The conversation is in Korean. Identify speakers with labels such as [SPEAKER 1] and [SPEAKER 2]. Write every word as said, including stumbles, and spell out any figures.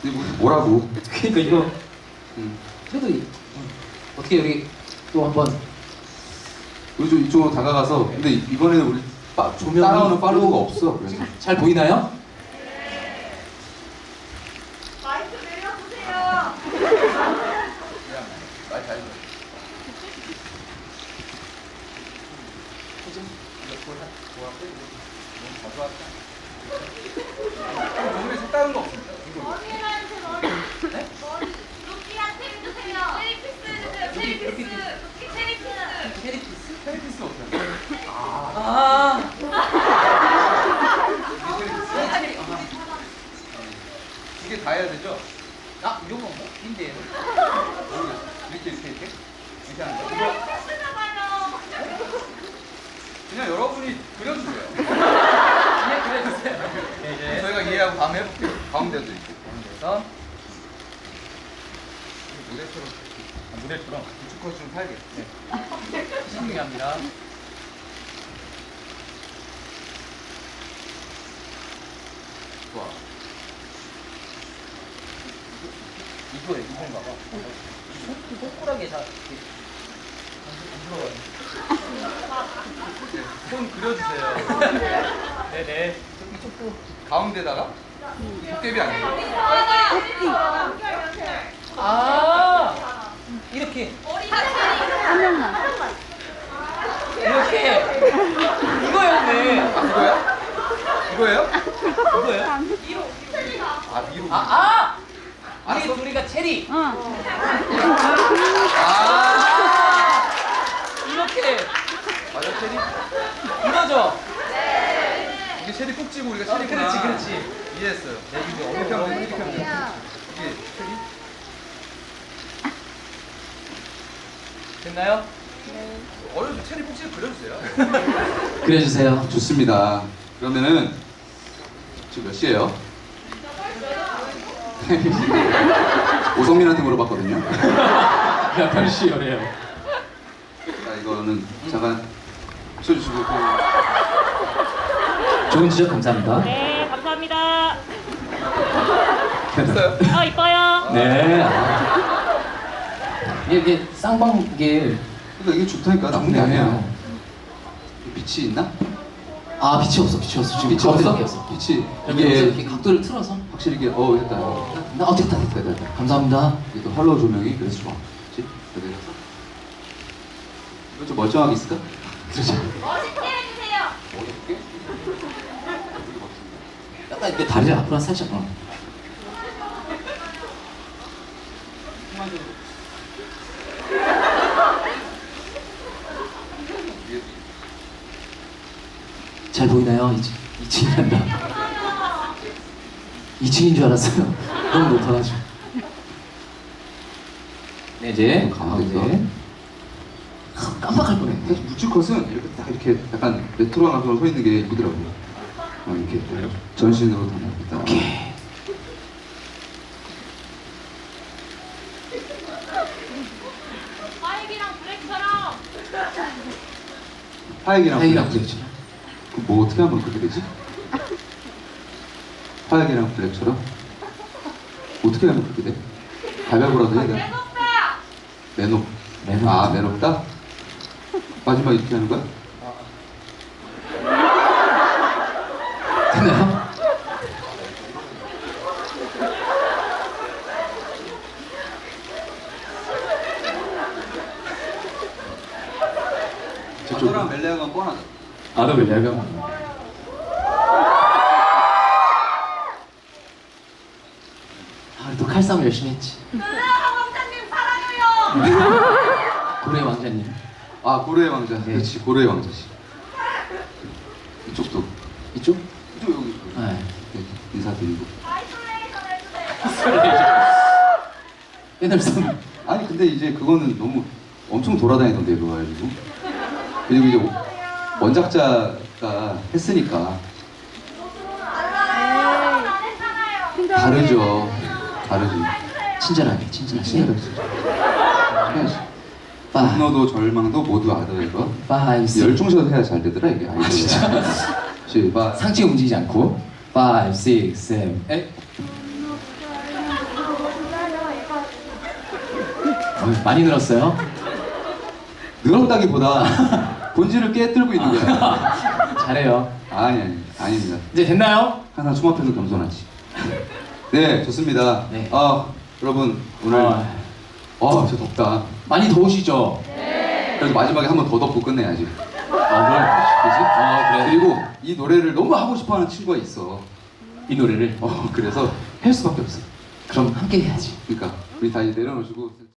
[SPEAKER 1] 근데 뭐, 뭐라고?
[SPEAKER 2] 그러니까 이거
[SPEAKER 1] 음.
[SPEAKER 2] 그래도 이- 어떻게 여기 또 한번
[SPEAKER 1] 우리 좀 이쪽으로 다가가서 근데 이번에는 우리 빠,
[SPEAKER 2] 조명이-
[SPEAKER 1] 따라오는 팔로워가 없어. 그래서
[SPEAKER 2] 잘 보이나요?
[SPEAKER 3] 마이크 내려주세요.
[SPEAKER 1] 말 잘. 오늘 색다른 거 없습니다.
[SPEAKER 3] 머리한테 머리. 네? 머리. 루키한테 해주세요. 체리피스 해주세요. 체리피스. 루키 체리피스.
[SPEAKER 2] 캐리피스?
[SPEAKER 1] 테니스 어때요?
[SPEAKER 2] 아
[SPEAKER 1] 이게 다 해야 되죠?
[SPEAKER 2] 아, 이런 건가? 인데요.
[SPEAKER 1] 모르겠어. 이렇게 이렇게 이렇게 이렇게 하는 거. 이거
[SPEAKER 3] 체리피스나 봐요.
[SPEAKER 1] 그냥 여러분이 그려주세요.
[SPEAKER 2] 그냥 그려주세요. 네, 이제
[SPEAKER 1] 저희가 이해하고 다음에 해볼게요. 가운데도 있고.
[SPEAKER 2] 가운데서
[SPEAKER 1] 노래처럼 아, 노래처럼 우측 좀 살게. 네.
[SPEAKER 2] 신중합니다.
[SPEAKER 1] 좋아.
[SPEAKER 2] 이거에 이건가 봐. 손 손가락에 다 이렇게 안 들어가요.
[SPEAKER 1] 손 그려주세요.
[SPEAKER 2] 네네. 이쪽도.
[SPEAKER 1] 가운데다가 도깨비 아니에요?
[SPEAKER 3] 연결 연결.
[SPEAKER 2] 아 이렇게
[SPEAKER 3] 머리 한 명만.
[SPEAKER 2] 이렇게 이거였네.
[SPEAKER 1] 아 이거야? 이거예요?
[SPEAKER 2] 이거예요?
[SPEAKER 1] 아 위로.
[SPEAKER 2] 아 아. 우리 둘이가 체리.
[SPEAKER 1] 아
[SPEAKER 2] 이렇게
[SPEAKER 1] 맞아 체리.
[SPEAKER 2] 이거죠.
[SPEAKER 1] 이게 체리 꼭지고 우리가
[SPEAKER 2] 어,
[SPEAKER 1] 체리구나.
[SPEAKER 2] 그렇지, 그렇지.
[SPEAKER 1] 이해했어요. 네, 이게 이렇게 하면 돼, 이렇게 하면 돼. 이게 체리?
[SPEAKER 2] 됐나요?
[SPEAKER 1] 어려서 체리 꼭지 그려주세요.
[SPEAKER 2] 그려주세요.
[SPEAKER 1] 좋습니다. 그러면은 지금 몇 시예요? 오성민한테 물어봤거든요.
[SPEAKER 2] 몇 시요래요?
[SPEAKER 1] 자 이거는 잠깐 쳐주시고 그
[SPEAKER 2] 좋은 지적 감사합니다.
[SPEAKER 4] 네, 감사합니다.
[SPEAKER 1] 됐어요?
[SPEAKER 4] 아, 이뻐요.
[SPEAKER 2] 네. 이게, 이게 쌍방길
[SPEAKER 1] 그러니까 이게 좋다니까 나쁜 게 아니야. 빛이 있나?
[SPEAKER 2] 아 빛이 없어 빛이 없어 지금
[SPEAKER 1] 빛이
[SPEAKER 2] 가운데밖에
[SPEAKER 1] 없어?
[SPEAKER 2] 없어.
[SPEAKER 1] 빛이
[SPEAKER 2] 이게
[SPEAKER 1] 이게
[SPEAKER 2] 이렇게 각도를 틀어서
[SPEAKER 1] 확실히 이게 어 됐다.
[SPEAKER 2] 나 어, 됐다 됐다
[SPEAKER 1] 됐다 됐다.
[SPEAKER 2] 감사합니다.
[SPEAKER 1] 이게 또 할로우 조명이 그래서 좋아. 그렇지? 그래서 이거 좀 멀쩡하게 있을까?
[SPEAKER 2] 그렇죠.
[SPEAKER 3] 멋있게 해주세요.
[SPEAKER 1] 어렵게?
[SPEAKER 2] 약간 이렇게 다리를 앞으로 한 살짝 어. 잘 보이나요? 이 층이란다. 이 층인 줄 알았어요. 너무 높아가지고. 네 이제
[SPEAKER 1] 가운데서.
[SPEAKER 2] 가운데. 아, 깜빡할 뻔했네.
[SPEAKER 1] 사실 묵직컷은 이렇게 딱 이렇게 약간 레트로한 감성으로 서 있는 게 이쁘더라고요. 어, 이렇게 전신으로 다 나옵니다.
[SPEAKER 2] 오케이.
[SPEAKER 3] 화이비랑 블랙처럼.
[SPEAKER 1] 화약이랑
[SPEAKER 2] 하이랑
[SPEAKER 1] 블랙.
[SPEAKER 2] 그랬죠.
[SPEAKER 1] 그뭐 어떻게 하면 그렇게 되지? 화약이랑 블랙처럼? 어떻게 하면 그렇게 돼? 가위바위보라도 해야 돼?
[SPEAKER 3] 내놓다.
[SPEAKER 1] 매녹.
[SPEAKER 2] 매녹.
[SPEAKER 1] 아 매녹다? 마지막 이렇게 하는 거야?
[SPEAKER 2] 됐나요?
[SPEAKER 1] 저랑 멜레아가 뻔하죠.
[SPEAKER 2] 아너 왜 내가 아또 칼싸움 열심히 했지.
[SPEAKER 3] 으아, 왕자님 사랑해요.
[SPEAKER 2] 고래 왕자님.
[SPEAKER 1] 아 고래의 왕자.
[SPEAKER 2] 네.
[SPEAKER 1] 그렇지 고래의 왕자지. 이쪽도.
[SPEAKER 2] 이쪽?
[SPEAKER 1] 이쪽 여기 있고.
[SPEAKER 2] 네.
[SPEAKER 1] 네, 인사드리고.
[SPEAKER 3] 아이솔레이션 해주세요.
[SPEAKER 2] 옛날 사람.
[SPEAKER 1] 아니 근데 이제 그거는 너무 엄청 돌아다니던데 그거 가지고. 그리고 이제 원작자가 했으니까
[SPEAKER 3] 안 했잖아요.
[SPEAKER 1] 다르죠. 다르지.
[SPEAKER 2] 친절하게 친절하게.
[SPEAKER 1] 친절하지. 해야지. 분노도 절망도 모두 알아야 거.
[SPEAKER 2] 파이브 식
[SPEAKER 1] 열중셔서 해야 잘 되더라 이게.
[SPEAKER 2] 아 진짜?
[SPEAKER 1] 시바.
[SPEAKER 2] 상체 움직이지 않고 파이브 식 세븐 에잇
[SPEAKER 5] 어, 많이 늘었어요?
[SPEAKER 1] 늘었다기보다 본질을 깨뜨리고 있는 거야.
[SPEAKER 5] 잘해요.
[SPEAKER 1] 아니 아니 아닙니다.
[SPEAKER 5] 이제 됐나요?
[SPEAKER 1] 하나 춤 앞에서 겸손하지. 네 좋습니다.
[SPEAKER 5] 네.
[SPEAKER 1] 아 여러분 오늘
[SPEAKER 5] 아,
[SPEAKER 1] 아 진짜 덥다.
[SPEAKER 5] 많이 더우시죠?
[SPEAKER 1] 그래서 마지막에 한 번 더 덮고 끝내야지.
[SPEAKER 5] 아, 뭘?
[SPEAKER 1] 그지?
[SPEAKER 5] 아, 그래.
[SPEAKER 1] 그리고 이 노래를 너무 하고 싶어하는 친구가 있어.
[SPEAKER 5] 이 노래를.
[SPEAKER 1] 어 그래서 할 수밖에 없어.
[SPEAKER 5] 그럼 함께 해야지.
[SPEAKER 1] 그러니까 우리 다 이제 내려놓으시고.